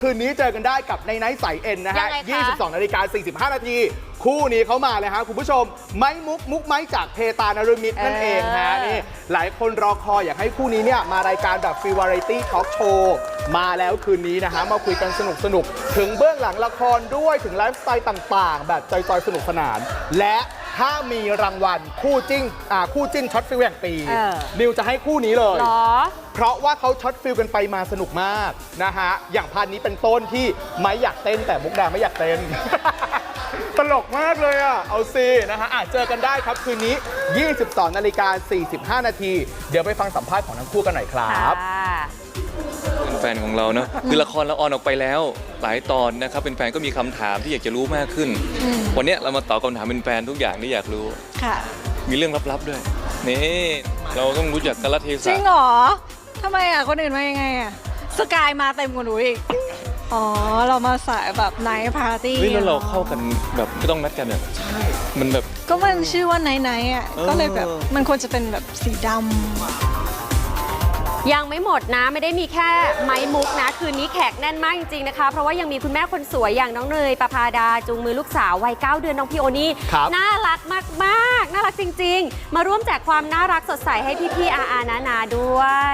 คืนนี้เจอกันได้กับในไนท์สายเอ็นนะฮะ 22:45 นาทีคู่นี้เขามาเลยฮะคุณผู้ชมไม้มุกไม้จากเพตานฤมิตนั่นเองฮะนี่หลายคนรอคอยอยากให้คู่นี้เนี่ยมารายการแบบฟรีวาไรตี้ทอล์กโชว์มาแล้วคืนนี้นะฮะมาคุยกันสนุกถึงเบื้องหลังละครด้วยถึงไลฟ์สไตล์ต่างๆแบบจอยๆสนุกสนานและถ้ามีรางวัลคู่จิ้นช็อตฟิลแห่งปีนิวจะให้คู่นี้เลยเพราะว่าเขาช็อตฟิลกันไปมาสนุกมากนะฮะอย่างพันนี้เป็นต้นที่ไม่อยากเต้นแต่มุกดาไม่อยากเต้น ตลกมากเลยอ่ะเอาซินะฮะเจอกันได้ครับคืนนี้ 22:45 นาทีเดี๋ยวไปฟังสัมภาษณ์ของทั้งคู่กันหน่อยครับเป็นแฟนของเราเนาะคือละครเราออนออกไปแล้วหลายตอนนะครับเป็นแฟนก็มีคำถามที่อยากจะรู้มากขึ้นวันนี้เรามาตอบคำถามเป็นแฟนทุกอย่างที่อยากรู้ค่ะมีเรื่องลับๆด้วยนี่เราต้องรู้จักกาลเทศะจริงเหรอทำไมอ่ะคนอื่นมายังไงอ่ะสกายมาเต็มกว่าหนูอีกอ๋อเรามาสายแบบไนท์ปาร์ตี้แล้วเราเข้ากันแบบไม่ต้องนัดกันอ่ะใช่มันแบบก็มันชื่อว่าไนท์อ่ะก็เลยแบบมันควรจะเป็นแบบสีดำยังไม่หมดนะไม่ได้มีแค่ไม้มุกนะคืนนี้แขกแน่นมากจริงๆนะคะเพราะว่ายังมีคุณแม่คนสวยอย่างน้องเนยประภาดาจูงมือลูกสาววัย9 เดือนน้องพี่โอนี่น่ารักมากๆน่ารักจริงๆมาร่วมแจกความน่ารักสดใสให้พี่ๆอานาด้วย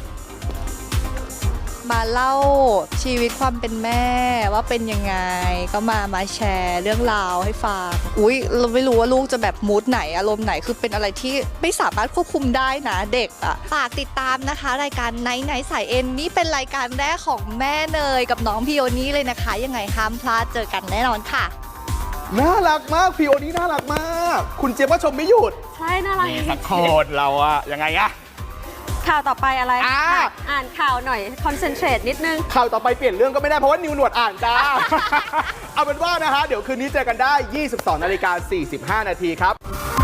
มาเล่าชีวิตความเป็นแม่ว่าเป็นยังไงก็มาแชร์เรื่องราวให้ฟังเราไม่รู้ว่าลูกจะแบบมูดไหนอารมณ์ไหนคือเป็นอะไรที่ไม่สามารถควบคุมได้นะเด็กอ่ะฝากติดตามนะคะรายการไนท์สายเอ็นนี่เป็นรายการแรกของแม่เนยกับน้องพี่โอนี่เลยนะคะยังไงห้ามพลาดเจอกันแน่นอนค่ะน่ารักมากพี่โอนี่น่ารักมากคุณเจี๊ยบก็ชมไม่หยุดใช่น่ารักสักคนเราอะยังไงอะข่าวต่อไปอะไรอ่านข่าวหน่อยคอนเซนเทรตนิดนึงข่าวต่อไปเปลี่ยนเรื่องก็ไม่ได้เพราะว่านิวหนวดอ่านจ้า เอาเป็นว่านะฮะเดี๋ยวคืนนี้เจอกันได้ 22:45 นาทีครับ